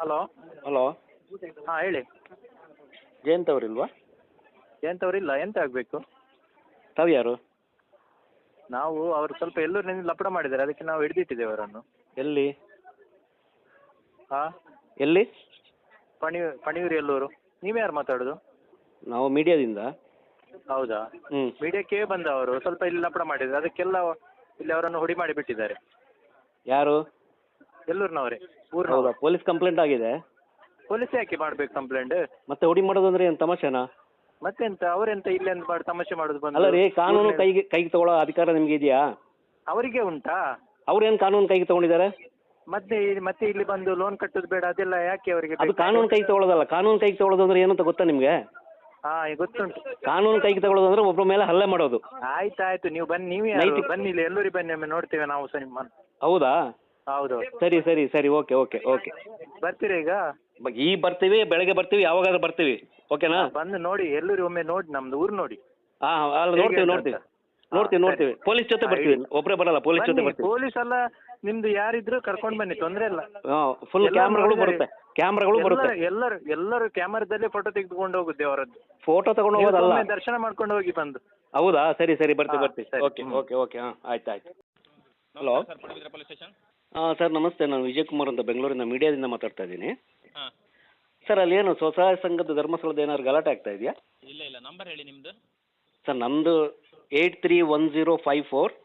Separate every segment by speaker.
Speaker 1: Hello.
Speaker 2: Hello,
Speaker 1: ಹಾಂ ಹೇಳಿ.
Speaker 2: ಜಯಂತ್ ಅವರಿಲ್ವಾ?
Speaker 1: ಎಂಥವ್ರಿಲ್ಲ, ಎಂತ ಆಗಬೇಕು?
Speaker 2: ತಾವು ಯಾರು?
Speaker 1: ನಾವು ಅವರು ಸ್ವಲ್ಪ ಎಲ್ಲೂರಿನಿಂದ ಲಪಡ ಮಾಡಿದ್ದಾರೆ, ಅದಕ್ಕೆ ನಾವು ಹಿಡಿದಿಟ್ಟಿದ್ದೇವೆ ಅವರನ್ನು.
Speaker 2: ಎಲ್ಲಿ
Speaker 1: ಹಾಂ,
Speaker 2: ಎಲ್ಲಿ?
Speaker 1: ಪಣಿಯೂರು ಎಲ್ಲೂರು. ನೀವು ಯಾರು ಮಾತಾಡೋದು?
Speaker 2: ನಾವು ಮೀಡಿಯಾದಿಂದ.
Speaker 1: ಹೌದಾ?
Speaker 2: ಹ್ಞೂ.
Speaker 1: ಮೀಡಿಯಾಕ್ಕೆ ಬಂದವರು ಸ್ವಲ್ಪ ಇಲ್ಲಿ ಲಪಡ ಮಾಡಿದ್ದಾರೆ, ಅದಕ್ಕೆಲ್ಲ ಇಲ್ಲಿ ಅವರನ್ನು ಹುಡಿ ಮಾಡಿ ಬಿಟ್ಟಿದ್ದಾರೆ.
Speaker 2: ಯಾರು?
Speaker 1: ಎಲ್ಲೂರಿನವರೇ,
Speaker 2: ಹೌದಾ?
Speaker 1: ಊರಿನವರು.
Speaker 2: ಪೊಲೀಸ್ ಕಂಪ್ಲೇಂಟ್ ಆಗಿದೆ.
Speaker 1: ಪೊಲೀಸ್ ಯಾಕೆ ಮಾಡ್ಬೇಕು ಕಂಪ್ಲೇಂಟ್?
Speaker 2: ಮತ್ತೆ ಹುಡಿ ಮಾಡೋದು ಅಂದ್ರೆ ಏನು ತಮಾಷೆನಾ?
Speaker 1: ಮತ್ತೆಂತ ಅವರೆಂತ ಇಲ್ಲೆಂತ ಮಾಡಿ ತಮಾಷೆ ಮಾಡೋದು ಬಂದು?
Speaker 2: ಅಲ್ಲ ರೀ, ಕಾನೂನು ಕೈಗೆ ತಗೊಳ್ಳೋ ಅಧಿಕಾರ ನಿಮ್ಗೆ ಇದೆಯಾ?
Speaker 1: ಅವರಿಗೆ ಉಂಟಾ?
Speaker 2: ಅವ್ರೇನು ಕಾನೂನು ಕೈಗೆ ತಗೊಂಡಿದ್ದಾರೆ?
Speaker 1: ಮತ್ತೆ ಇಲ್ಲಿ ಬಂದು ಲೋನ್ ಕಟ್ಟೋದು ಬೇಡ ಅದೆಲ್ಲ ಯಾಕೆ ಅವರಿಗೆ?
Speaker 2: ಅದು ಕಾನೂನು ಕೈಗೆ ತಗೊಳ್ಳೋದಲ್ಲ. ಕಾನೂನು ಕೈಗೆ ತಗೊಳ್ಳೋದು ಅಂದ್ರೆ ಏನಂತ ಗೊತ್ತಾ ನಿಮ್ಗೆ?
Speaker 1: ಹಾಂ, ಗೊತ್ತುಂಟು.
Speaker 2: ಕಾನೂನು ಕೈಗೆ ತಗೊಳ್ಳೋದು ಅಂದ್ರೆ ಒಬ್ಬರ ಮೇಲೆ ಹಲ್ಲೆ ಮಾಡೋದು.
Speaker 1: ಆಯ್ತಾಯ್ತು, ನೀವು ಬನ್ನಿ. ನೀವು ಯಾರು? ಬನ್ನಿ ಇಲ್ಲಿ ಎಲ್ಲೂರಿಗೆ ಬನ್ನಿ, ಒಮ್ಮೆ ನೋಡ್ತೇವೆ ನಾವು ಸಹ ನಿಮ್ಮನ್ನು.
Speaker 2: ಹೌದಾ?
Speaker 1: ಹೌದು.
Speaker 2: ಸರಿ ಸರಿ ಸರಿ, ಓಕೆ ಓಕೆ ಓಕೆ.
Speaker 1: ಬರ್ತೀರಾ ಈಗ?
Speaker 2: ಈಗ ಬರ್ತೀವಿ, ಬೆಳಗ್ಗೆ ಬರ್ತೀವಿ, ಯಾವಾಗಾದ್ರೂ ಬರ್ತೀವಿ. ಓಕೆನಾ?
Speaker 1: ಬಂದು ನೋಡಿ, ಎಲ್ಲೂರಿಗೆ ಒಮ್ಮೆ ನೋಡಿ, ನಮ್ದು ಊರು ನೋಡಿ.
Speaker 2: ಹಾಂ, ಅಲ್ಲಿ ನೋಡ್ತೀವಿ. ಪೊಲೀಸ್ ಜೊತೆ ಬರ್ತೀವಿ, ಒಬ್ಬರೇ ಬರಲ್ಲ, ಪೊಲೀಸ್ ಜೊತೆ ಬರ್ತೀವಿ.
Speaker 1: ಪೊಲೀಸ್ ಅಲ್ಲ, ನಿಮ್ದು ಯಾರಿದ್ರು ಕರ್ಕೊಂಡು ಬನ್ನಿ, ತೊಂದರೆ ಇಲ್ಲ.
Speaker 2: ಹಾಂ, ಫುಲ್ ಕ್ಯಾಮ್ರಾಗಳು ಬರುತ್ತೆ.
Speaker 1: ಎಲ್ಲರೂ ಕ್ಯಾಮರಾದಲ್ಲೇ ಫೋಟೋ ತೆಗೆದುಕೊಂಡು ಹೋಗುತ್ತೆ ಅವರದ್ದು.
Speaker 2: ಫೋಟೋ ತಗೊಂಡು ಹೋಗೋದಲ್ಲ,
Speaker 1: ದರ್ಶನ ಮಾಡ್ಕೊಂಡು ಹೋಗಿ ಬಂದು.
Speaker 2: ಹೌದಾ? ಸರಿ ಸರಿ, ಬರ್ತೀವಿ.
Speaker 1: ಸರಿ.
Speaker 2: Okay okay okay. ಹಾಂ, ಆಯ್ತು. ಹಲೋ. ಹಾಂ ಸರ್, ನಮಸ್ತೆ. ನಾನು ವಿಜಯ್ ಕುಮಾರ್ ಅಂತ ಬೆಂಗಳೂರಿನ ಮೀಡಿಯಾದಿಂದ ಮಾತಾಡ್ತಾ ಇದ್ದೀನಿ.
Speaker 3: ಹಾಂ,
Speaker 2: ಸರ್, ಅಲ್ಲಿ ಏನು ಸ್ವಸಹಾಯ ಸಂಘದ ಧರ್ಮಸ್ಥಳದ ಏನಾದ್ರು ಗಲಾಟೆ ಆಗ್ತಾ ಇದೆಯಾ?
Speaker 3: ಇಲ್ಲ, ನಂಬರ್ ಹೇಳಿ ನಿಮ್ಮದು.
Speaker 2: ಸರ್, ನಮ್ಮದು 831054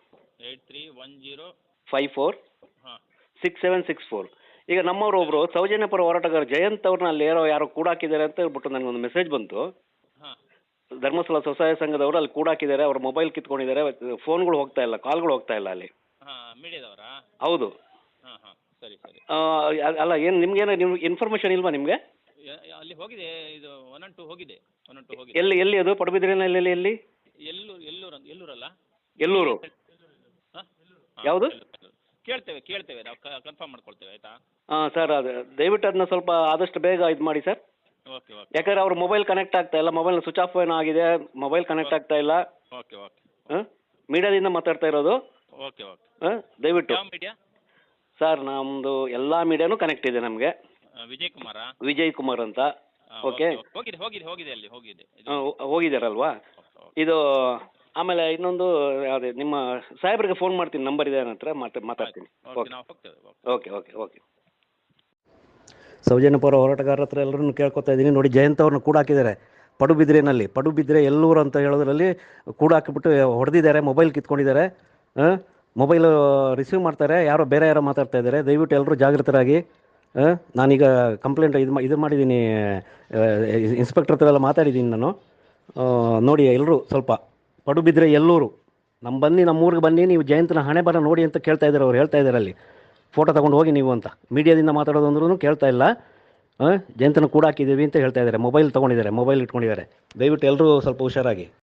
Speaker 2: 54
Speaker 3: ಹಾಂ
Speaker 2: 6764. ಈಗ ನಮ್ಮವರು ಒಬ್ಬರು ಸೌಜನ್ಯಪರ ಹೋರಾಟಗಾರ ಜಯಂತ್ ಅವ್ರನ್ನ ಅಲ್ಲಿ ಯಾರೋ ಕೂಡಾಕಿದ್ದಾರೆ ಅಂತ ಹೇಳ್ಬಿಟ್ಟು ನನಗೊಂದು ಮೆಸೇಜ್ ಬಂತು.
Speaker 3: ಹಾಂ
Speaker 2: ಧರ್ಮಸ್ಥಳ ಸ್ವಸಹಾಯ ಸಂಘದವರು ಅಲ್ಲಿ ಕೂಡಾಕಿದ್ದಾರೆ, ಅವ್ರ ಮೊಬೈಲ್ ಕಿತ್ಕೊಂಡಿದ್ದಾರೆ, ಫೋನ್ಗಳು ಹೋಗ್ತಾ ಇಲ್ಲ, ಕಾಲ್ಗಳು ಹೋಗ್ತಾ ಇಲ್ಲ ಅಲ್ಲಿ.
Speaker 3: ಹಾಂ, ಮೀಡಿಯಾದವರಾ?
Speaker 2: ಹೌದು.
Speaker 3: ಹಾಂ, ಸರಿ.
Speaker 2: ಅಲ್ಲ, ಏನು ನಿಮ್ಗೇನು ಇನ್ಫಾರ್ಮೇಷನ್ ಇಲ್ವಾ ನಿಮಗೆ?
Speaker 3: ಅಲ್ಲಿ ಹೋಗಿದೆ, ಇದು 112 ಹೋಗಿದೆ.
Speaker 2: ಎಲ್ಲಿ ಅದು? ಪಡುಬಿದ್ರಿನಲ್ಲಿ ಎಲ್ಲಿ?
Speaker 3: ಎಲ್ಲೂರಲ್ಲ?
Speaker 2: ಎಲ್ಲೂರು.
Speaker 3: ಹಾಂ,
Speaker 2: ಯಾವುದು?
Speaker 3: ಕೇಳ್ತೇವೆ ನಾವು ಕನ್ಫರ್ಮ್ ಮಾಡ್ಕೊಳ್ತೇವೆ, ಆಯಿತಾ?
Speaker 2: ಹಾಂ ಸರ್, ಅದು ದಯವಿಟ್ಟು ಅದನ್ನ ಸ್ವಲ್ಪ ಆದಷ್ಟು ಬೇಗ ಇದು ಮಾಡಿ ಸರ್.
Speaker 3: ಓಕೆ.
Speaker 2: ಯಾಕಂದ್ರೆ ಅವ್ರ ಮೊಬೈಲ್ ಕನೆಕ್ಟ್ ಆಗ್ತಾ ಇಲ್ಲ, ಮೊಬೈಲ್ ಸ್ವಿಚ್ ಆಫ್ ಏನೋ ಆಗಿದೆ, ಮೊಬೈಲ್ ಕನೆಕ್ಟ್ ಆಗ್ತಾ ಇಲ್ಲ.
Speaker 3: ಓಕೆ.
Speaker 2: ಹಾಂ, ಮೀಡಿಯಾದಿಂದ ಮಾತಾಡ್ತಾ ಇರೋದು.
Speaker 3: ಓಕೆ.
Speaker 2: ಹಾಂ, ದಯವಿಟ್ಟು.
Speaker 3: ಯಾವ ಮೀಡಿಯಾ?
Speaker 2: ಸರ್, ನಮ್ಮದು ಎಲ್ಲ ಮೀಡಿಯಾನೂ ಕನೆಕ್ಟ್ ಇದೆ ನಮಗೆ. ವಿಜಯ್ ಕುಮಾರ್ ಅಂತ. ಓಕೆ.
Speaker 3: ಹೋಗಿದೆ ಅಲ್ಲಿ ಹೋಗಿದೆ.
Speaker 2: ಹೋಗಿದ್ದಾರಲ್ವಾ? ಇದು ಆಮೇಲೆ ಇನ್ನೊಂದು ಅದೇ ನಿಮ್ಮ ಸಾಹೇಬ್ರಿಗೆ ಫೋನ್ ಮಾಡ್ತೀನಿ, ನಂಬರ್ ಇದೆ ನನ್ನ ಹತ್ರ, ಮಾತಾಡ್ತೀನಿ. ಓಕೆ. ಸೌಜನ್ಯಪರ ಹೋರಾಟಗಾರರ ಹತ್ರ ಎಲ್ಲರನ್ನು ಕೇಳ್ಕೊತಾ ಇದ್ದೀನಿ. ನೋಡಿ, ಜಯಂತ್ ಅವ್ರನ್ನ ಕೂಡ ಹಾಕಿದ್ದಾರೆ ಪಡುಬಿದ್ರೆ ಎಲ್ಲೂರು ಅಂತ ಹೇಳೋದ್ರಲ್ಲಿ ಕೂಡ ಹಾಕಿಬಿಟ್ಟು ಹೊಡೆದಿದ್ದಾರೆ, ಮೊಬೈಲ್ ಕಿತ್ಕೊಂಡಿದ್ದಾರೆ. ಮೊಬೈಲ್ ರಿಸೀವ್ ಮಾಡ್ತಾರೆ, ಬೇರೆ ಯಾರೋ ಮಾತಾಡ್ತಾ ಇದ್ದಾರೆ. ದಯವಿಟ್ಟು ಎಲ್ಲರೂ ಜಾಗೃತರಾಗಿ. ನಾನೀಗ ಕಂಪ್ಲೇಂಟ್ ಇದು ಮಾಡಿದ್ದೀನಿ, ಇನ್ಸ್ಪೆಕ್ಟರ್ ಹತ್ರ ಎಲ್ಲ ಮಾತಾಡಿದ್ದೀನಿ ನಾನು. ನೋಡಿ, ಎಲ್ಲರೂ ಸ್ವಲ್ಪ ಪಡುಬಿದ್ರೆ ಎಲ್ಲೂರು ನಮ್ಮೂರಿಗೆ ಬನ್ನಿ, ನೀವು ಜಯಂತನ ಹಣೆ ಬರ ನೋಡಿ ಅಂತ ಕೇಳ್ತಾ ಇದ್ದಾರೆ. ಅವ್ರು ಹೇಳ್ತಾ ಇದ್ದಾರೆ ಅಲ್ಲಿ ಫೋಟೋ ತಗೊಂಡು ಹೋಗಿ ನೀವು ಅಂತ. ಮೀಡಿಯಾದಿಂದ ಮಾತಾಡೋದು ಅಂದ್ರೂ ಕೇಳ್ತಾ ಇಲ್ಲ. ಜಯಂತನ ಕೂಡ ಹಾಕಿದ್ದೀವಿ ಅಂತ ಹೇಳ್ತಾ ಇದ್ದಾರೆ. ಮೊಬೈಲ್ ತೊಗೊಂಡಿದ್ದಾರೆ, ಮೊಬೈಲ್ ಇಟ್ಕೊಂಡಿದ್ದಾರೆ. ದಯವಿಟ್ಟು ಎಲ್ಲರೂ ಸ್ವಲ್ಪ ಹುಷಾರಾಗಿ.